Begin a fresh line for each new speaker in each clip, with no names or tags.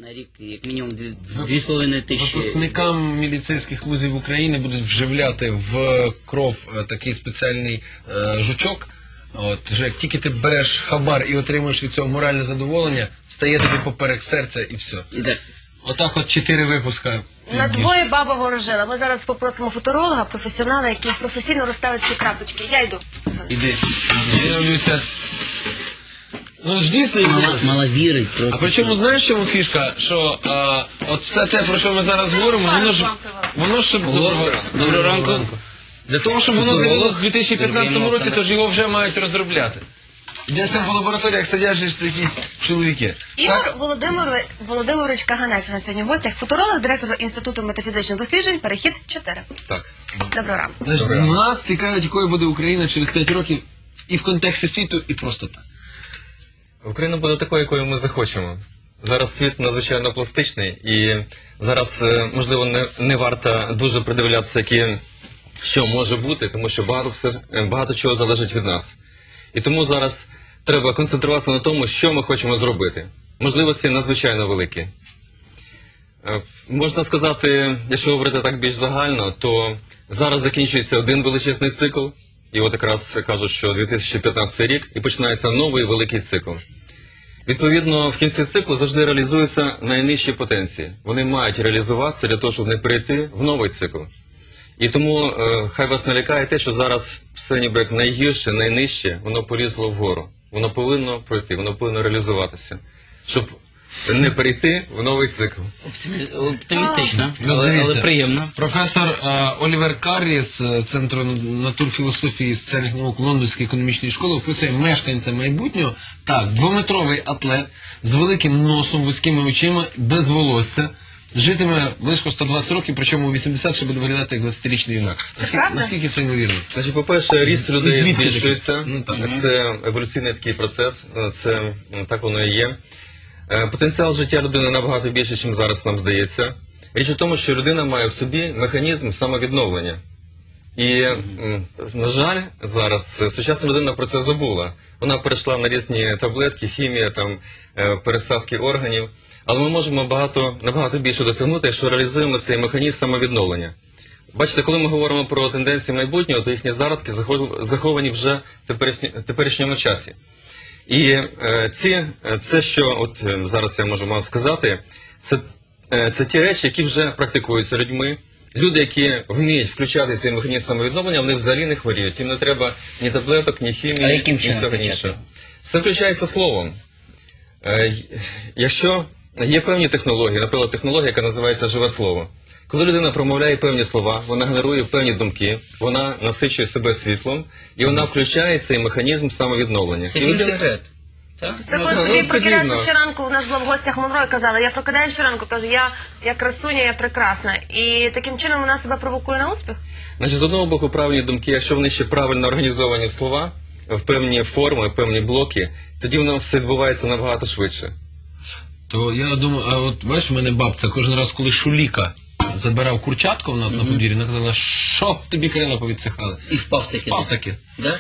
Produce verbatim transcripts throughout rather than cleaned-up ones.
на рік як мінімум дві з половиною тисячі.
Випускникам міліцейських вузів України будуть вживляти в кров е, такий спеціальний е, жучок. От, вже як тільки ти береш хабар і отримуєш від цього моральне задоволення, стає тобі поперек серця і все.
Да.
Отак от чотири випуска.
На двоє баба ворожила. Ми зараз попросимо футуролога, професіонала, який професійно розставить ці крапочки. Я йду.
Іди. Дивлюся. Ну ж дійсно,
Мала, мала вірить просто.
а причому знаєш, в чому фішка? Що а, от все те, про що ми зараз говоримо, воно ж воно ж доброго,
Доброго ранку.
Для того, щоб воно з'явилося в дві тисячі п'ятнадцятому
Доброго
році,
ранку.
то ж його вже мають розробляти. Десь там по лабораторіях сидять ж якісь чоловіки.
Ігор Володимир... Володимирович Каганець на сьогодні в гостях. Футуролог, директор Інституту метафізичних досліджень, Перехід чотири.
Так.
Доброго ранку.
Значить, нас цікавить, якою буде Україна через п'ять років і в контексті світу, і просто так.
Україна буде такою, якою ми захочемо. Зараз світ надзвичайно пластичний, і зараз, е, можливо, не, не варто дуже придивлятися, які, що може бути, тому що багато, все, е, багато чого залежить від нас. І тому зараз треба концентруватися на тому, що ми хочемо зробити. Можливості надзвичайно великі. Е, Можна сказати, якщо говорити так більш загально, то зараз закінчується один величезний цикл, і от якраз кажуть, що дві тисячі п'ятнадцятий рік, і починається новий великий цикл. Відповідно, в кінці циклу завжди реалізуються найнижчі потенції. Вони мають реалізуватися для того, щоб не перейти в новий цикл. І тому е, хай вас не лякає те, що зараз все ніби як найгірше, найнижче, воно полізло вгору. Воно повинно пройти, воно повинно реалізуватися, щоб не перейти в новий цикл.
Оптимі- Оптимістично,
Ну,
але, але
дивіться.
приємно.
Професор е, Олівер Каррі з е, Центру натурфілософії і соціальних наук Лондонської економічної школи описує мешканця майбутнього. Так, двометровий атлет з великим носом, вузькими очима, без волосся. Житиме близько сто двадцять років, причому у вісімдесят ще буде виглядати як двадцятирічний юнак. Наскільки,
правда?
наскільки це ймовірно?
Значить, по-перше, ріст людей
Звідки таке?
збільшується.
Ну, так.
Це еволюційний такий процес, це м, так воно і є. Е, Потенціал життя людини набагато більше, ніж зараз нам здається. Річ у тому, що людина має в собі механізм самовідновлення. І, м, на жаль, зараз е, сучасна людина про це забула. Вона перейшла на різні таблетки, хімія, там, е, пересадки органів. Але ми можемо багато, набагато більше досягнути, якщо реалізуємо цей механізм самовідновлення. Бачите, коли ми говоримо про тенденції майбутнього, то їхні зародки захов- заховані вже в теперішні- теперішньому часі. І е, ці, е, це, що от е, зараз я можу вам сказати, це, е, це ті речі, які вже практикуються людьми. Люди, які вміють включати цей механізм самовідновлення, вони взагалі не хворіють. Їм не треба ні таблеток, ні
А
хімії,
яким
ні
чином
всього
включати?
іншого. Це включається словом. Е, й- Якщо є певні технології, наприклад, технологія, яка називається живе слово. Коли людина промовляє певні слова, вона генерує певні думки, вона насичує себе світлом, і вона включає цей механізм самовідновлення.
Це
І ви
фільм
всі-
секрет. Так?
Це коли
Ну,
тобі
ну,
прокидаєшся
подібно.
щоранку, у нас була в гостях Монро і казала, я прокидаюся щоранку, кажу, я, я красуня, я прекрасна. І таким чином вона себе провокує на успіх?
Значить, з одного боку, правильні думки, якщо вони ще правильно організовані в слова, в певні форми, в певні блоки, тоді воно все відбувається набагато швидше.
То я думаю, а от бачиш, в мене бабця кожен раз, коли Шуліка забирав курчатку у нас на подвір'ї, вона казала, що тобі крила повідсихали.
І впав таки.
Впав таки.
Да?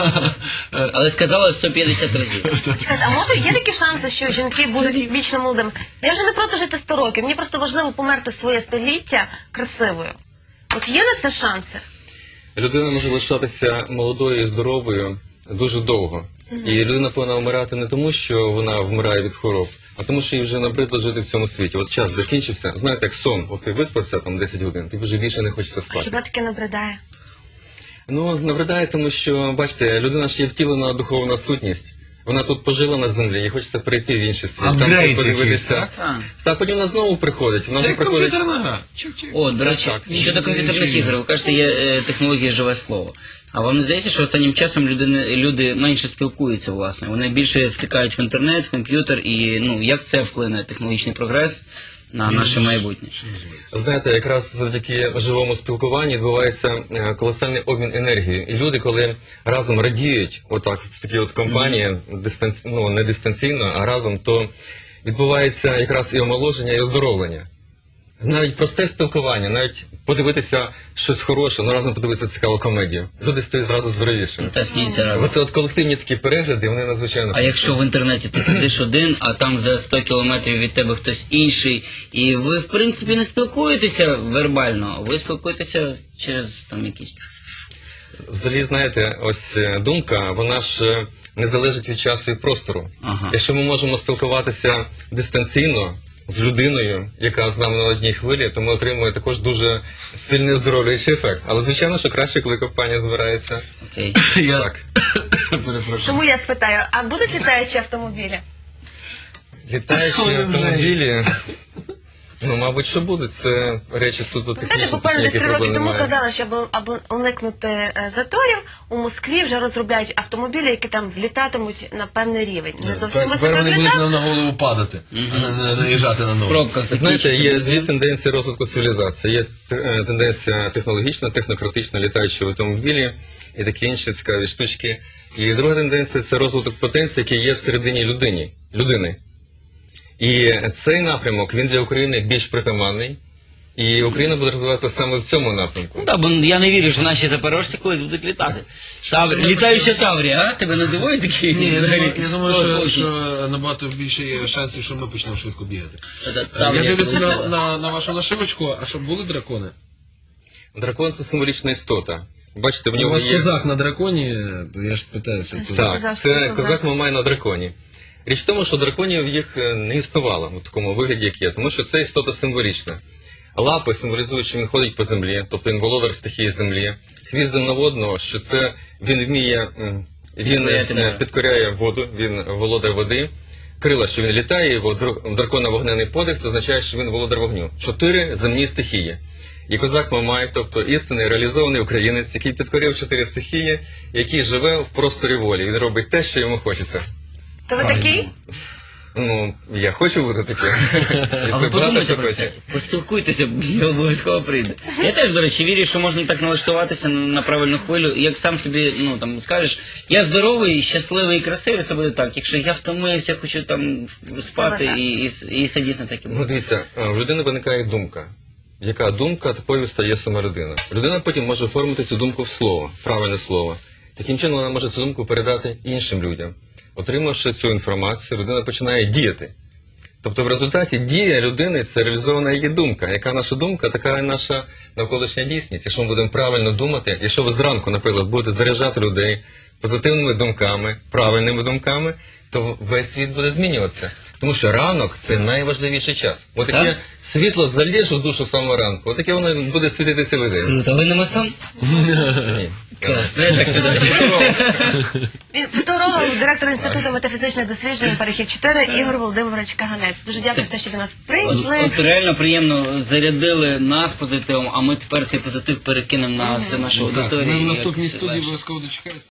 Але сказала сто п'ятдесят разів.
Чекайте, а може є такі шанси, що жінки будуть вічно молодими? Я вже не проти жити сто років, мені просто важливо померти в своє століття красивою. От є на це шанси?
Людина може лишатися молодою і здоровою дуже довго. І людина повинна вмирати не тому, що вона вмирає від хвороб, а тому, що їй вже набридло жити в цьому світі. От час закінчився. Знаєте, як сон. От ти виспався там десять годин, тобі вже більше не хочеться
А
спати.
хіба таке набридає?
Ну, набридає, тому що, бачите, людина ж є втілена духовна сутність. Вона тут пожила на землі, їй хочеться прийти в інший світ.
Апгрейд
подивитися.
якийсь,
так?
Так, потім вона знову приходить. Вона вже
Це
приходить.
комп'ютерна гра. Чик-чик.
О, до речі, щодо комп'ютерних ігор, ви кажете, є е, технологія живе слово. А вам не здається, що останнім часом люди, люди менше спілкуються, власне? Вони більше втикають в інтернет, в комп'ютер, і ну, як це вплине технологічний прогрес на наше майбутнє?
Знаєте, якраз завдяки живому спілкуванню відбувається е, колосальний обмін енергією. І люди, коли разом радіють, отак, в такій от компанії, дистанці... ну, не дистанційно, а разом, то відбувається якраз і омоложення, і оздоровлення. Навіть просте спілкування, навіть подивитися щось хороше, ну разом подивитися цікаву комедію. Люди стають зразу здоровішими.
Та сміються разом.
Оце от колективні такі перегляди, вони надзвичайно.
А якщо в інтернеті ти сидиш один, а там за сто кілометрів від тебе хтось інший, і ви, в принципі, не спілкуєтеся вербально, ви спілкуєтеся через там якісь...
Взагалі, знаєте, ось е, думка, вона ж е, не залежить від часу і простору.
Ага.
Якщо ми можемо спілкуватися дистанційно з людиною, яка з нами на одній хвилі, то ми отримуємо також дуже сильний оздоровлюючий ефект. Але звичайно, що краще, коли компанія збирається.
Окей.
Я
Так.
перепрошую.
Чому я спитаю, а будуть літаючі автомобілі?
Літаючі
Ой,
автомобілі, ну, мабуть, що будуть. Це речі суто
Знаєте,
технічні,
буквально десь
яких
три роки
проблем
тому
немає.
казали, що аби, аби уникнути е, заторів, у Москві вже розробляють автомобілі, які там злітатимуть на певний рівень. Не зовсім
Тепер
високо
вони будуть
літак.
нам на голову падати, а не- не наїжджати на
В
ногу.
пробках це
Знаєте, є
включиться.
дві тенденції розвитку цивілізації. Є е, тенденція технологічна, технократична, літаючі автомобілі і такі інші цікаві штучки. І друга тенденція – це розвиток потенції, який є всередині людині, людини. І цей напрямок, він для України більш притаманний. І Україна буде розвиватися саме в цьому напрямку.
Ну так, бо я не вірю, що наші запорожці колись будуть літати. Тавр... Літаюча Таврія, а? Тебе не дивує такі?
Ні, я
взагалі,
думаю, я думаю, що,
сорок
що набагато більше є шансів, що ми почнемо швидко бігати.
Це
Я
Таврія
дивлюся на,
полетіла.
на, на вашу нашивочку, а що були дракони?
Дракон – це символічна істота. Бачите, в
У
нього
вас
є...
козак на драконі, то я ж питаюся. хто-
Так,
Козак,
це
козак.
козак Мамай на драконі. Річ в тому, що драконів їх е, не існувало у такому вигляді, як є, тому що це істота символічна. Лапи символізують, що він ходить по землі, тобто він володар стихії землі. Хвіст земноводного, що це він вміє, м, він
Підкоряти
е,
море.
підкоряє воду, він володар води. Крила, що він літає, його др- дракона вогнений подих, це означає, що він володар вогню. Чотири земні стихії. І козак Мамай, тобто істинний реалізований українець, який підкорив чотири стихії, який живе в просторі волі. Він робить те, що йому хочеться.
То ви такий?
Ну, я хочу бути таким. І
А
це
ви подумайте
багато
про
хто
це,
хоче.
поспілкуйтеся, я обов'язково прийде. Я теж, до речі, вірю, що можна так налаштуватися на на правильну хвилю. І як сам собі, ну там скажеш, я здоровий, щасливий і красивий, це буде так. Якщо я втомився, хочу там спати,
так.
і, і, і це дійсно так і
Ну,
буде.
дивіться, в людини виникає думка. Яка думка, такою стає сама людина. Людина потім може оформити цю думку в слово, правильне слово. Таким чином вона може цю думку передати іншим людям. Отримавши цю інформацію, людина починає діяти. Тобто в результаті дія людини – це реалізована її думка. Яка наша думка, така і наша навколишня дійсність. Якщо ми будемо правильно думати, якщо ви зранку, наприклад, будете заряджати людей позитивними думками, правильними думками, то весь світ буде змінюватися. Тому що ранок – це найважливіший час. От таке
Так?
світло заліже в душу самого ранку, от таке воно буде світити цілий день.
Круто, ви не масон?
Ні.
Клас, я так сюди.
Він футуролог, директор Інституту метафізичних досліджень «Перехід чотири» Ігор Володимирович Каганець. Дуже дякую за те, що до нас прийшли.
От реально приємно зарядили нас позитивом, а ми тепер цей позитив перекинемо на всю нашу
Так,
аудиторію.
ми в
і
наступній
якось
студії
легше.
обов'язково дочекаємося.